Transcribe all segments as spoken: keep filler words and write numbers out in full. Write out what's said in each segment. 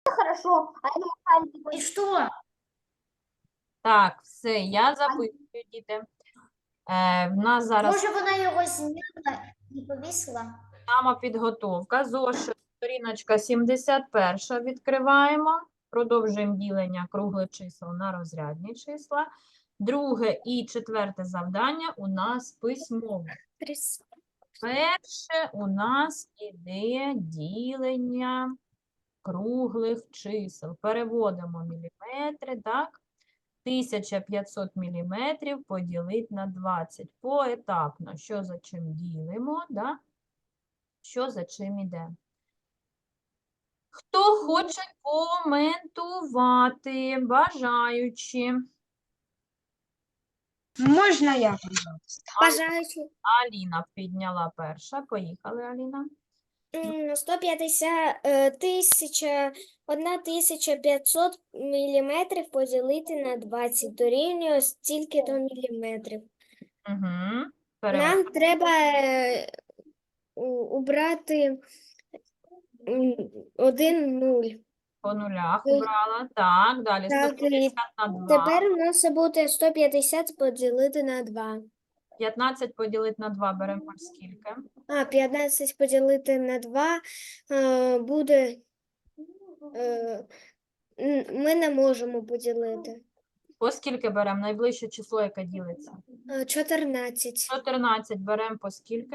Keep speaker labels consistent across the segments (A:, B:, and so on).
A: Хорошо. А это махали такой.
B: И что?
C: Так, все, я записую, діти. Е, в нас зараз
B: Може, вона його зняла і повісила?
C: самопідготовка. Зошит, сторіночка сімдесят перша відкриваємо. Продовжуємо ділення круглих чисел на розрядні числа. Друге і четверте завдання у нас письмове. Перше у нас іде ділення круглих чисел. Переводимо міліметри, так? тисяча п'ятсот міліметрів поділити на двадцять. Поетапно. Що за чим ділимо, да? Що за чим іде. Хто хоче коментувати, бажаючи?
A: Можно я, пожалуйста?
D: Бажаючи
C: Аліна підняла перша. Поїхали, Аліна.
D: м, сто п'ятдесят е, тисяча, одна тисяча п'ятсот міліметрів поділити на двадцять дорівнює стільки-то міліметрів.
C: Угу.
D: Нам треба е, у- убрати м, один нуль.
C: По нулях
D: Ой.
C: убрала. Так, далі
D: Так,
C: сто п'ятдесят на два.
D: Тепер у нас буде сто п'ятдесят поділити на два.
C: п'ятнадцять поділити на два беремо по скільки?
D: А, п'ятнадцять поділити на два е, буде, е, н- ми не можемо поділити.
C: По скільки беремо? Найближче число, яке ділиться?
D: Е, чотирнадцять.
C: чотирнадцять беремо по скільки?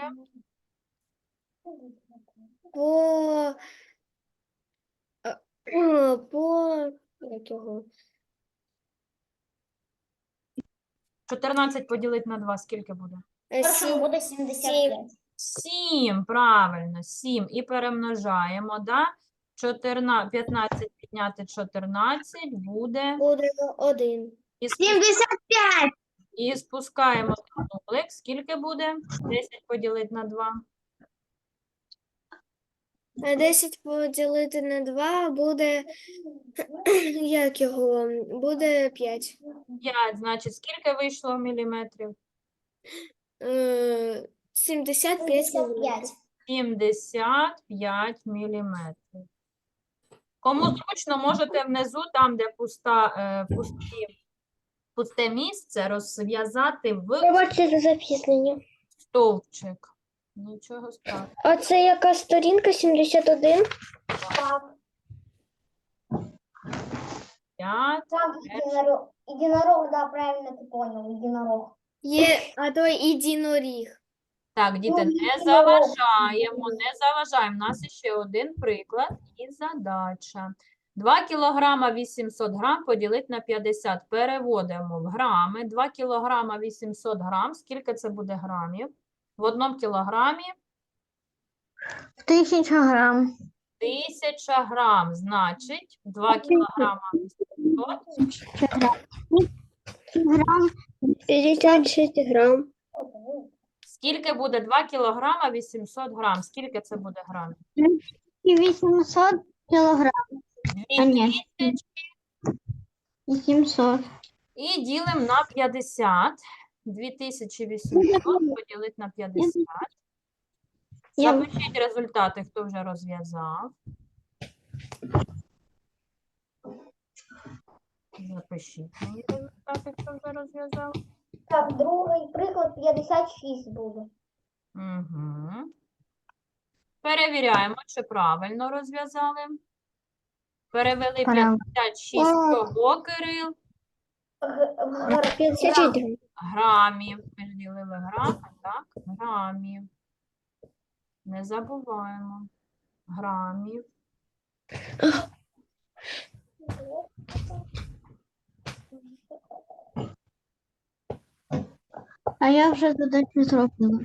D: По, е, е, по, як його?
C: чотирнадцять поділити на два скільки буде?
D: Е,
B: Першому
D: сім.
B: буде сімдесят п'ять.
C: сім, правильно, сім. І перемножаємо, да? чотирнадцять, п'ятнадцять підняти чотирнадцять буде.
D: Буде один.
C: І, спу-
A: семьдесят пять.
C: і спускаємо нулик. Скільки буде? десять поділити на два.
D: А десять поділити на два буде, як його, буде п'ять.
C: п'ять, значить, скільки вийшло міліметрів?
D: Е, сімдесят п'ять
B: сімдесят
D: міліметрів.
B: п'ять.
C: сімдесят п'ять міліметрів. Кому зручно, можете внизу, там, де пуста, е, пусті, пусте місце, розв'язати в
D: Пробачте за запізнення.
C: стовпчик. Нічого страшного.
D: А це яка сторінка? сімдесят один?
A: Так,
C: п'ять.
A: так, единорог. Единорог, да, правильно ты понял, единорог.
D: Є, а то єдиноріг.
C: Так, діти,
A: Ну,
C: не
A: ну,
C: заважаємо, не заважаємо. У нас ще один приклад і задача. два кілограма вісімсот грам поділити на п'ятдесят. Переводимо в грами. два кілограма вісімсот грам. Скільки це буде грамів? В одному кілограмі
A: В тысячу грамм.
C: тисяча грам. Значить, два кілограма вісімсот.
A: Грамм.
D: п'ятдесят шість грам.
C: Скільки буде два кілограма вісімсот грам? Скільки це буде грамів?
A: И восемьсот килограмм. А, ні.
C: дві тисячі.
A: семьсот.
C: І ділимо на п'ятдесят. дві тисячі вісімсот поділити на п'ятдесят.
A: Я-
C: Запишіть результати, хто вже розв'язав. Запишіть мені результати, хто вже розв'язав.
A: Так, другий приклад п'ятдесят шість буде.
C: Угу. Перевіряємо, чи правильно розв'язали. Перевели
A: Правильно.
C: п'ятдесят шість кого, Кирил?
A: Г- г-
D: п'ятдесят
A: грамм.
D: шість грам.
C: Грамів. Ми ж ділили грами, так? Грамів. Не забуваємо. Грамів.
A: А я вже задачу зробила.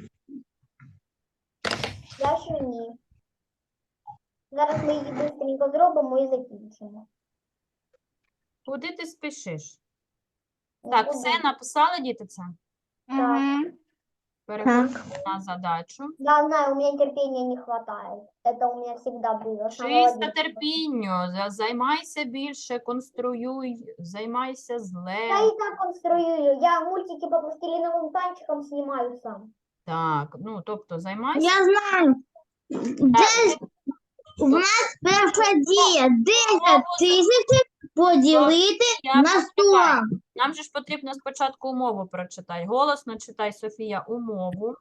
A: Я ще ні. Зараз ми її швидко зробимо і закінчимо.
C: Куди ти спішиш? Так, все написали, діти, це?
A: Так.
C: Переходимо на задачу.
A: Да, знаю, у меня терпения не хватает. Это у меня всегда было. с самого
C: Вчися
A: детства.
C: терпінню, за- займайся більше, конструюй, займайся з
A: Я
C: Лего.
A: и так конструю. Я мультики по пластилиновым танчикам снимаю сам.
C: Так, ну, тобто займайся.
A: знаю.
C: Так,
E: У нас перша дія десять тисяч поділити
C: Я
E: на
C: почекаю.
E: сто.
C: Нам же ж потрібно спочатку умову прочитати. Голосно читай, Софія, умову.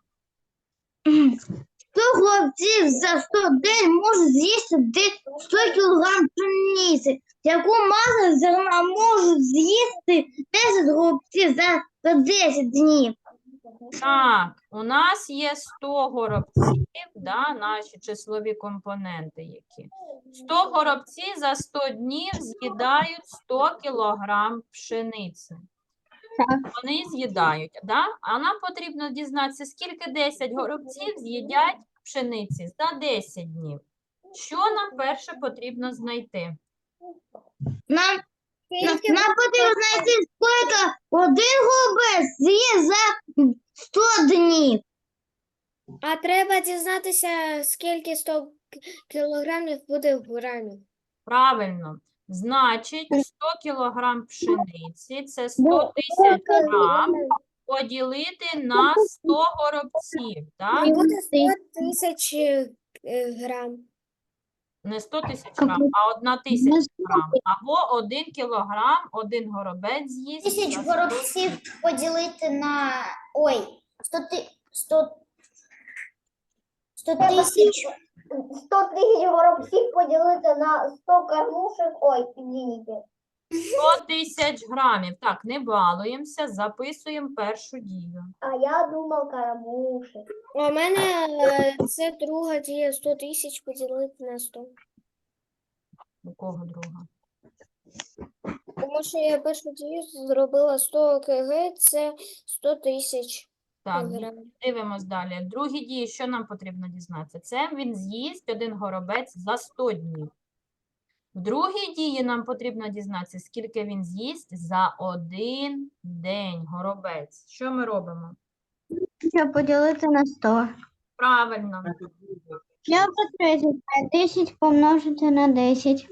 E: сто хлопців за сто день можуть з'їсти де- сто кілограм пшениці, яку маса зерна можуть з'їсти десять хлопців за, за десять днів.
C: Так, у нас є сто горобців, да, наші числові компоненти які. сто горобців за сто днів з'їдають сто кілограм пшениці. Вони з'їдають, да? А нам потрібно дізнатися, скільки десять горобців з'їдять пшениці за десять днів. Що нам перше потрібно знайти?
E: Нам, нам,
D: Скільки
E: нам потрібно знайти, скільки один голубець з'їсть за сто днів.
D: А треба дізнатися, скільки сто кілограмів буде в грамів.
C: Правильно. Значить, сто кілограм пшениці – це сто тисяч грам поділити на сто горобців, так?
D: Буде сто тисяч е, грам.
C: Не сто тисяч грам, а одна тисяча грам. Або один кілограм, один горобець з'їсть.
B: Тисяч
C: за сто
B: горобців поділити на. Ой, сто ти... сто... сто тисяч.
A: сто тисяч горобців поділити на сто кормушек. Ой, извините.
C: сто тисяч грамів. Так, не балуємося, записуємо першу дію.
A: А я думав кормушек.
D: А у мене е, це друга дія сто тисяч поділити на сто.
C: У кого друга?
D: Тому що я першу дію зробила сто кг, це сто тисяч
C: Так,
D: грамів.
C: дивимось далі. Другі дії, що нам потрібно дізнатися? Це він з'їсть один горобець за сто днів. В другій дії нам потрібно дізнатися, скільки він з'їсть за один день горобець. Що ми робимо?
E: Щоб поділити на сто.
C: Правильно.
E: Я по десять помножити на десять.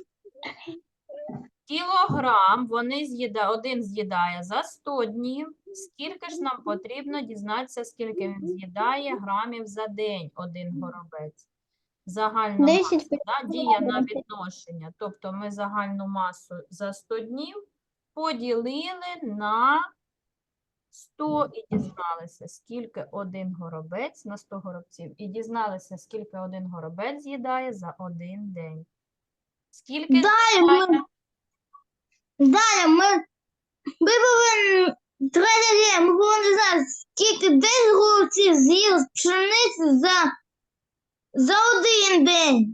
C: Кілограм вони з'їда, один з'їдає за сто днів. Скільки ж нам потрібно дізнатися, скільки він з'їдає грамів за день один горобець? Загальна
E: десять
C: маса, да, дія на відношення. Тобто ми загальну масу за сто днів поділили на сто і дізналися, скільки один горобець на сто горобців. І дізналися, скільки один горобець з'їдає за один день. Скільки
E: Далі ми,
C: з'їдає?
E: далі ми, ми повинні, третя дія, ми повинні знати, скільки десять голубців з'їли з пшениці за, за один день.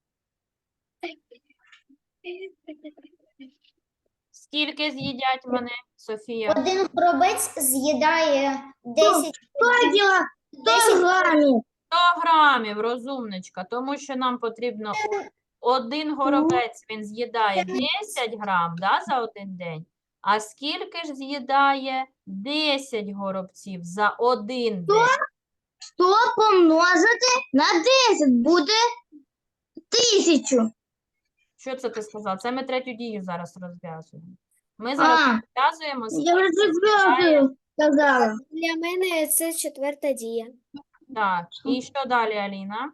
C: Скільки з'їдять вони, Софія?
B: Один горобець з'їдає десять,
E: сто кіло, сто грамів.
C: сто грамів, розумничка, тому що нам потрібно один горобець, він з'їдає десять грам, да, за один день. А скільки ж з'їдає десять горобців за один день?
E: сто помножити на десять буде тисячу.
C: Що це ти сказав? Це ми третю дію зараз розв'язуємо. Ми зараз
E: А,
C: розв'язуємо,
E: я вже
C: скільки з'їдає.
E: четверту сказала.
D: Для мене це четверта дія.
C: Так, і що далі, Аліна?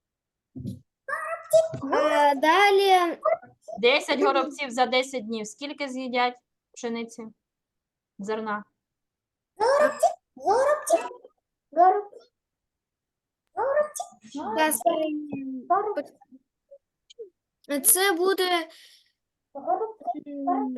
D: А далі
C: десять горобців за десять днів. Скільки з'їдять пшениці? Зерна?
B: горобців.
A: Горобці.
D: зараз, е, це буде
A: Горобці.
D: м,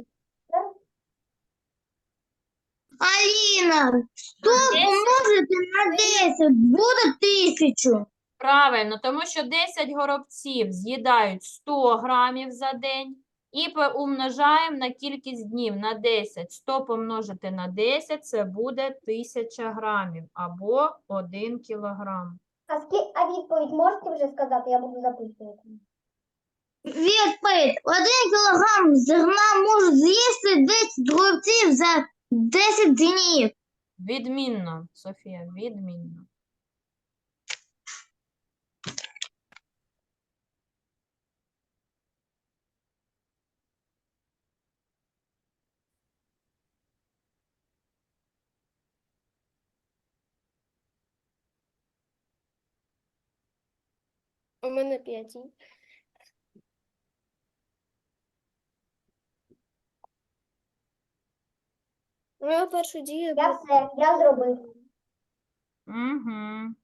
E: Аліна, сто помножити на десять буде тисячу.
C: Правильно, тому що десять горобців з'їдають сто грамів за день і умножаємо на кількість днів на десять. сто помножити на десять – це буде тисяча грамів або один кілограм.
A: А, ски... а відповідь можете вже сказати? Я буду записувати.
E: Відповідь. Один кілограм зерна можуть з'їсти десять голубців за десять днів.
C: Відмінно, Софія, відмінно.
D: у мене п'ять. Моя перша дія
A: Я
D: буде
A: все, я зробив.
C: Угу.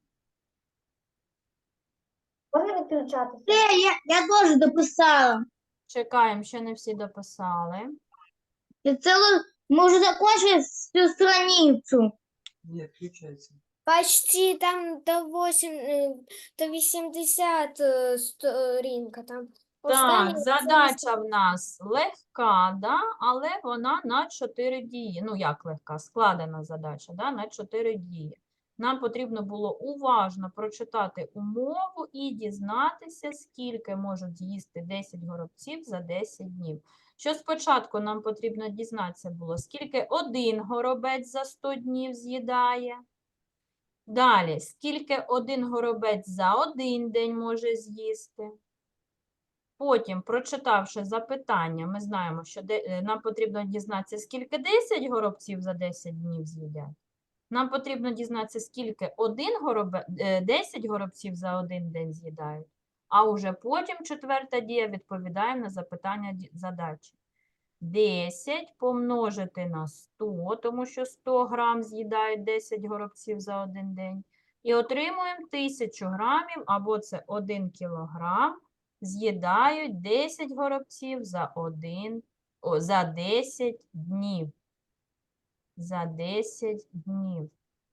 A: Можна відключатися?
E: Все, я, я теж дописала.
C: Чекаємо, ще не всі дописали.
E: Я целую, мы уже закончили всю страницу.
F: Нет, включается.
D: почти там до восім, е, до вісімдесят е, сторінка. Там
C: Так,
D: остання
C: задача в нас легка, да? Але вона на чотири дії. Ну, як легка? Складена задача, да? На чотири дії. Нам потрібно було уважно прочитати умову і дізнатися, скільки можуть з'їсти десять горобців за десять днів. Що спочатку нам потрібно дізнатися було, скільки один горобець за сто днів з'їдає. Далі, скільки один горобець за один день може з'їсти. Потім, прочитавши запитання, ми знаємо, що де, е, нам потрібно дізнатися, скільки десять горобців за десять днів з'їдять. Нам потрібно дізнатися, скільки один горобе, е, десять горобців за один день з'їдають. А уже потім четверта дія відповідає на запитання ді- задачі. десять помножити на сто, тому що сто грам з'їдають десять горобців за один день. І отримуємо тисячу грамів, або це один кілограм, з'їдають десять горобців за, один, о, за десять днів. За десять днів.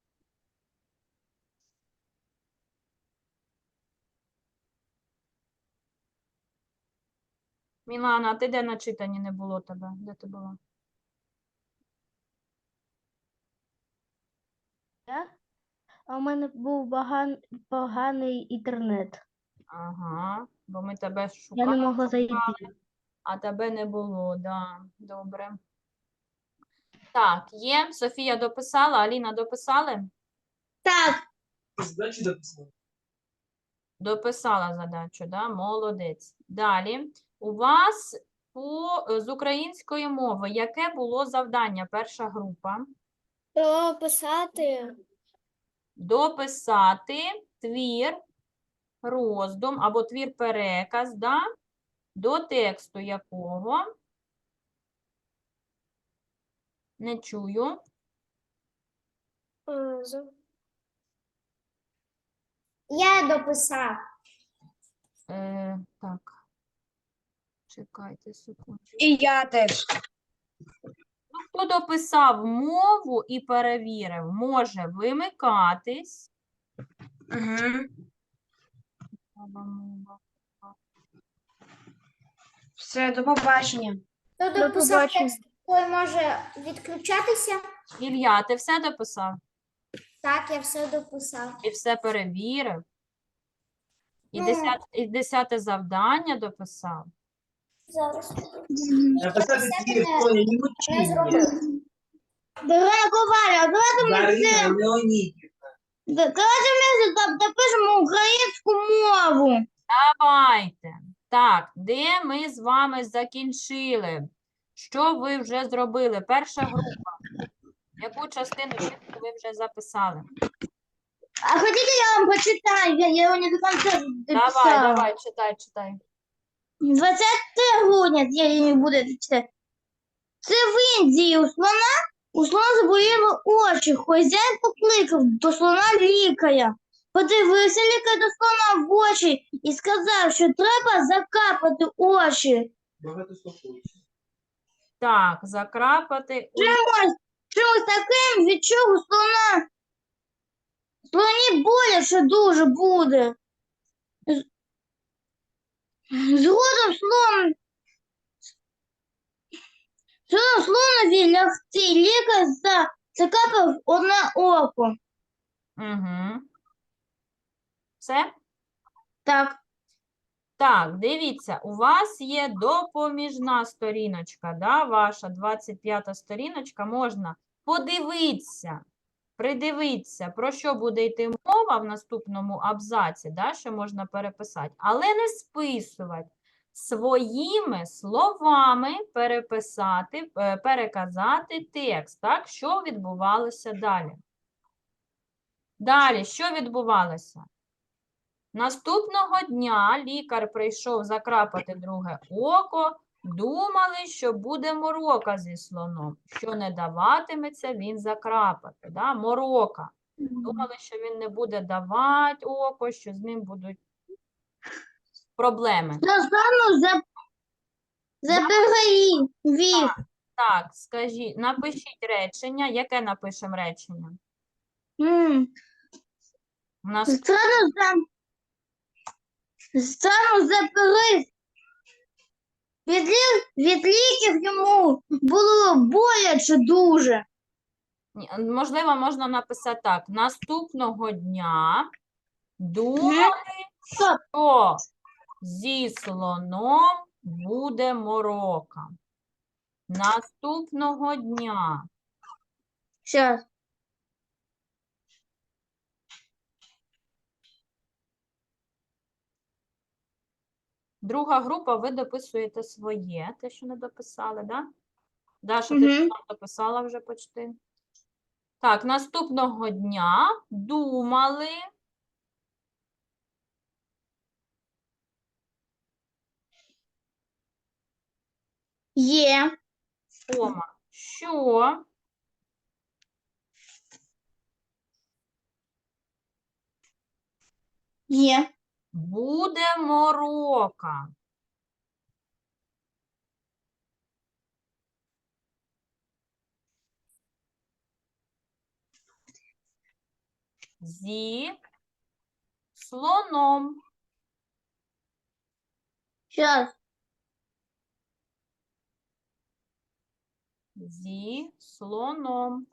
C: Мілана, а ти де на читанні не було тебе? Де ти була?
G: А у мене був баган... поганий інтернет.
C: Ага, бо ми тебе
G: Я
C: шукали,
G: не могла зайти.
C: а тебе не було, да, добре. Так, є. Софія дописала, Аліна дописали?
E: Так,
F: Задачи дописал.
C: Дописала задачу, да? Молодець. Далі. У вас по, з української мови яке було завдання? Перша група.
D: дописати
C: Дописати твір, роздум або твір-переказ, да? До тексту якого? Не чую.
D: е, з-
B: Я дописав.
C: Е, так. Чекайте секунду.
E: і я теж.
C: Ну, хто дописав мову і перевірив, може вимикатись.
E: Угу.
C: Мова, мова.
E: Все, до побачення.
B: Хто
G: До
B: дописав
G: побачення.
B: текст, той може відключатися.
C: Ілля, ти все дописав?
B: Так, я все дописав.
C: І все перевірив? І,
B: Ну.
C: десят, і десяте завдання дописав?
B: Зараз
F: Написать
B: Написати
F: телефон, не
B: не
F: мучи
B: зробив.
F: меня.
E: Дарина Коваля, давайте ми
F: Дарина
E: це...
F: Леонидовна.
E: да- Давайте ми за- допишемо українську мову.
C: Давайте. Так, де ми з вами закінчили? Що ви вже зробили? Перша група. Яку частину тексту ви вже записали?
E: А хотите, я вам почитаю? Я, я его не до конца
C: Давай,
E: дописала.
C: давай, читай, читай.
E: двадцятого грудня, я її не буду читати. Це в Індії у слона, у слона заболіли очі. Хазяїн покликав до слона лікаря. Подивився лікар до слона в очі і сказав, що треба закапати очі.
F: Багато слухаюся.
C: Так, закрапати. у-
E: Чимось, чимось таким, від чого слона, слоні боляче дуже буде. З- Згодом слон Згодом слонові лягти лікар за- закапав одне око.
C: Угу. Все?
E: Так,
C: Так, дивіться, у вас є допоміжна сторіночка, да, ваша двадцять п'ята сторіночка, можна подивитися, придивитися, про що буде йти мова в наступному абзаці, да, що можна переписати, але не списувати. Своїми словами переписати, е, переказати текст, так, що відбувалося далі. Далі, що відбувалося? Наступного дня лікар прийшов закрапати друге око, Думали, що буде морока зі слоном, що не даватиметься він закрапати. Да? Морока. Думали, що він не буде давати око, що з ним будуть проблеми.
E: Достану за, за перевів.
C: Так, скажіть, напишіть речення. Яке напишемо речення?
E: М.
C: У нас
E: Стану за, стану за перив. Від, лі- від ліків йому було боляче дуже.
C: Ні, можливо, можна написати так. Наступного дня думали,
E: Стоп.
C: що зі слоном буде морока. Наступного дня.
E: Щас.
C: Друга група, ви дописуєте своє, те, що не дописали, да? Даша, ти
E: Мгм.
C: там дописала вже почти. Так, наступного дня думали,
E: Є.
C: кома, що
E: Є.
C: буде морока. Зі слоном.
E: Щас.
C: Зі слоном.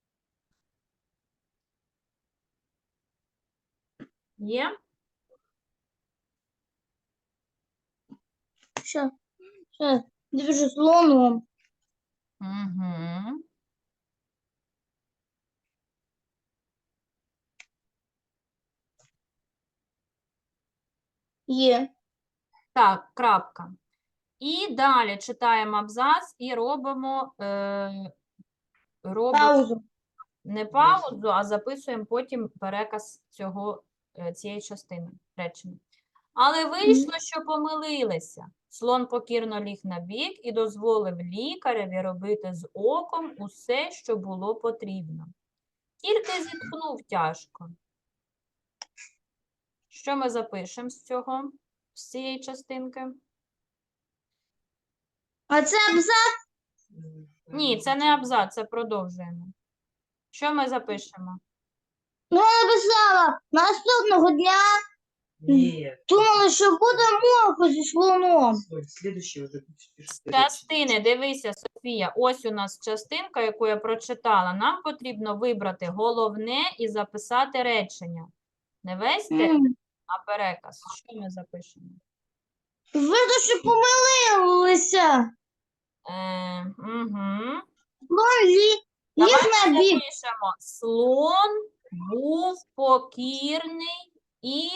C: Є?
E: Щас. Щас. Дуже слоном.
C: Угу.
E: Є.
C: Так, крапка. І далі читаємо абзац і робимо, е, робимо
E: Паузу.
C: не паузу, а записуємо потім переказ цього, е, цієї частини речення. Але вийшло, що помилилися. Слон покірно ліг на бік і дозволив лікареві робити з оком усе, що було потрібно. Тільки зітхнув тяжко. Що ми запишемо з цього, з цієї частинки?
E: А це абзац?
C: Ні, це не абзац, це продовжуємо. Що ми запишемо?
E: Ну, я написала. Наступного дня
F: Нет.
E: думала, що буде морку зі слоном.
F: Стой, следующий уже пишешь.
C: Частини, дивися, Софія, ось у нас частинка, яку я прочитала. Нам потрібно вибрати головне і записати речення. Не весь текст,
E: М.
C: а переказ. Що ми запишемо?
E: Видно, що помилилися.
C: Е, угу.
E: Слон ліг, ліг
C: Давайте
E: на бік.
C: запишемо. Слон був покірний і,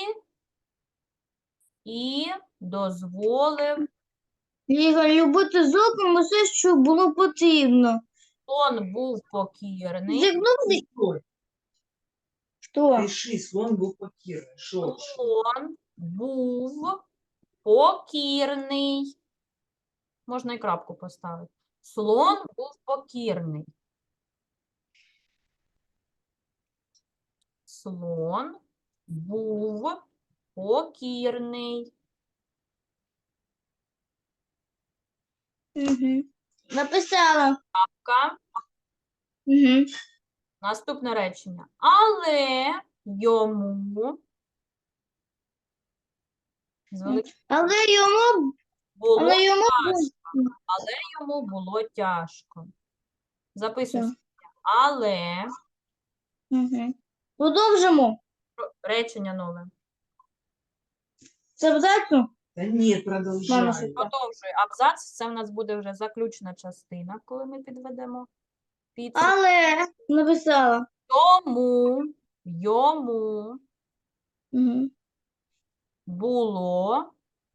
C: і дозволив.
E: Ліга любити з оком усе, що було потрібно.
C: Слон був покірний.
E: Зігнув лі-
F: Стой,
E: Що?
F: пиши, слон был покірний. Шо?
C: Слон був покірний. Можна і крапку поставити. Слон був покірний. Слон був покірний.
E: Угу. Написала.
C: Ка.
E: Угу.
C: Наступне речення. Але йому з великим
E: Але йому,
C: було
E: але йому
C: тяжко. Але йому було тяжко. Записуй.
E: Так.
C: собі. Але
E: Угу. Продовжимо.
C: Про- речення нове.
E: Це абзацу?
F: Да нет,
E: Мама,
F: продолжай.
E: що-
C: Продовжуй абзац. Це в нас буде вже заключна частина, коли ми підведемо підсумок.
E: Але написала.
C: Тому йому
E: Угу.
C: було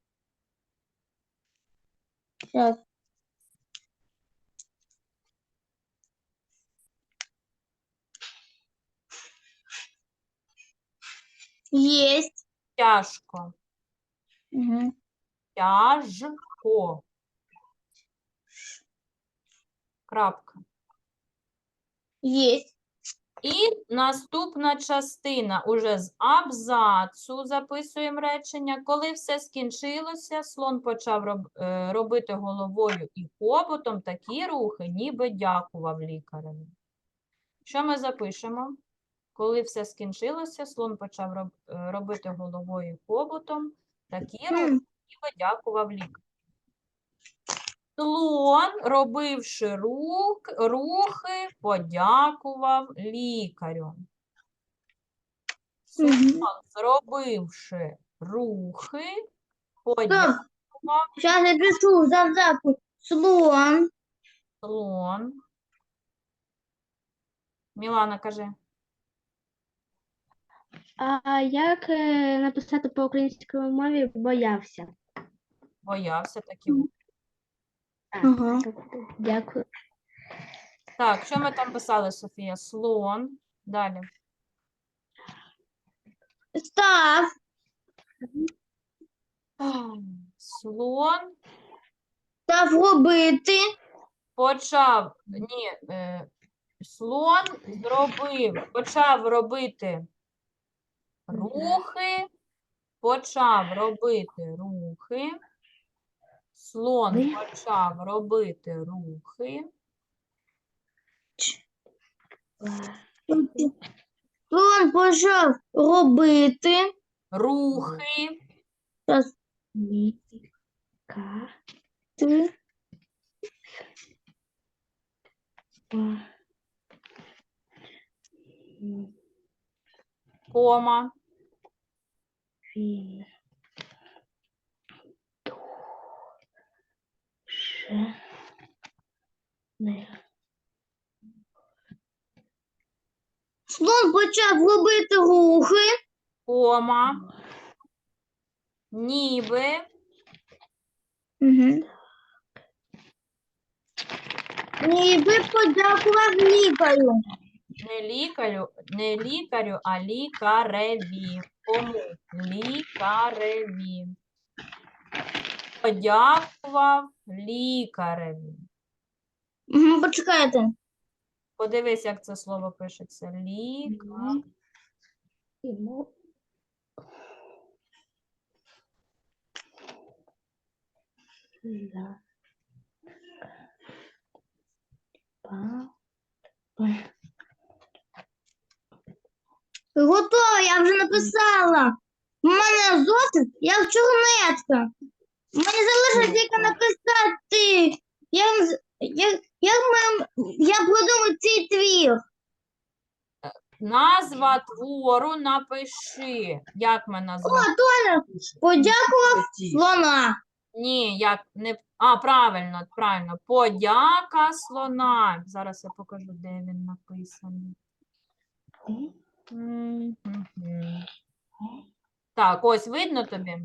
E: Зараз. Єсть.
C: тяжко.
E: Угу.
C: Тяжко. Крапка.
E: Есть.
C: І наступна частина уже з абзацу записуємо речення. Коли все скінчилося, слон почав роб, е, робити головою і хоботом такі рухи, ніби дякував лікареві. Що ми запишемо? Коли все скінчилося, слон почав роб, е, робити головою і хоботом такі рухи,
E: М.
C: ніби дякував лікареві. Слон, робивши рух, рухи, подякував лікарю. Слон,
E: Мгм.
C: зробивши рухи,
E: Стоп.
C: подякував
E: Сейчас я пишу завтраку. Слон.
C: слон. Мілана, кажи.
G: А як е, написати по українській мові боявся?
C: Боявся такі.
G: А,
E: Ага.
G: Дякую.
C: Так, що ми там писали, Софія? Слон. Далі.
E: Став.
C: Слон
E: Став робити.
C: почав, ні, е, слон зробив, почав робити рухи, почав робити рухи, слон
G: Ви?
C: почав робити рухи,
E: Слон почав робити.
C: рухи,
E: Зараз.
G: Ліка.
E: Ти.
C: кома,
G: Він. Ще. Не.
E: Слон почав робити рухи.
C: кома, ніби,
E: Угу. Ніби подякував лікарю.
C: не лікарю, не лікарю, а лікареві. Кому? Лікареві. Подякував лікареві.
E: Угу, почекайте.
C: Подивись, як це слово пишеться. Ліка.
G: Йому. Да. Па. Па.
E: Готово, я вже написала. У мене зошит, як чорнетка. Мені залишилось тільки написати. Як, з- як, як ми, я продумаю цей твір.
C: Назва твору напиши. Як ми
E: О,
C: назвемо?
E: Толя, подякував слона.
C: Ні, як не. А, правильно, правильно. Подяка слона. Зараз я покажу, де він написаний. Мгм. Так, ось видно тобі?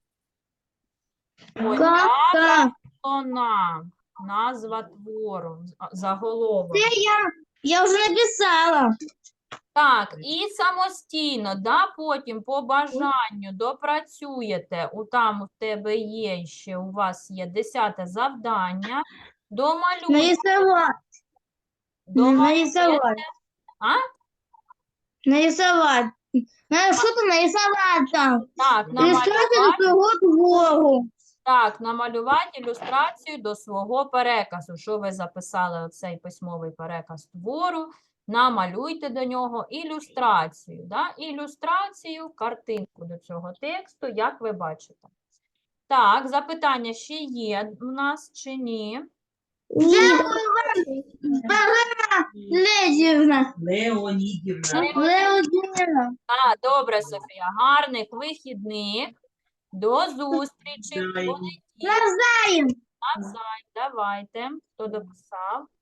C: Подяка
E: Так,
C: слона. Назва твору. з- Заголовок.
E: це я, я вже написала.
C: Так, і самостійно, да, потім по бажанню допрацюєте, у там у тебе є ще, у вас є десяте завдання, домалюйте,
E: Нарисувати.
C: домалюйте,
E: Нарисувати.
C: а?
E: Нарисувати. Надо що-то нарисувати там.
C: Так,
E: Ілюстрацію
C: намалювати,
E: до свого твору.
C: так, намалювати ілюстрацію до свого переказу. Що ви записали оцей письмовий переказ твору, намалюйте до нього ілюстрацію, да? Ілюстрацію, картинку до цього тексту, як ви бачите. Так, запитання ще є у нас чи ні?
E: Дякую вам, Марина Леонідівна.
F: Леонідівна.
E: Леонідівна.
C: А, добре, Софія, гарних вихідних. До зустрічі. в
F: Дай.
C: понеділок.
E: Навзаєм.
C: Навзаєм. Давайте. Хто дописав?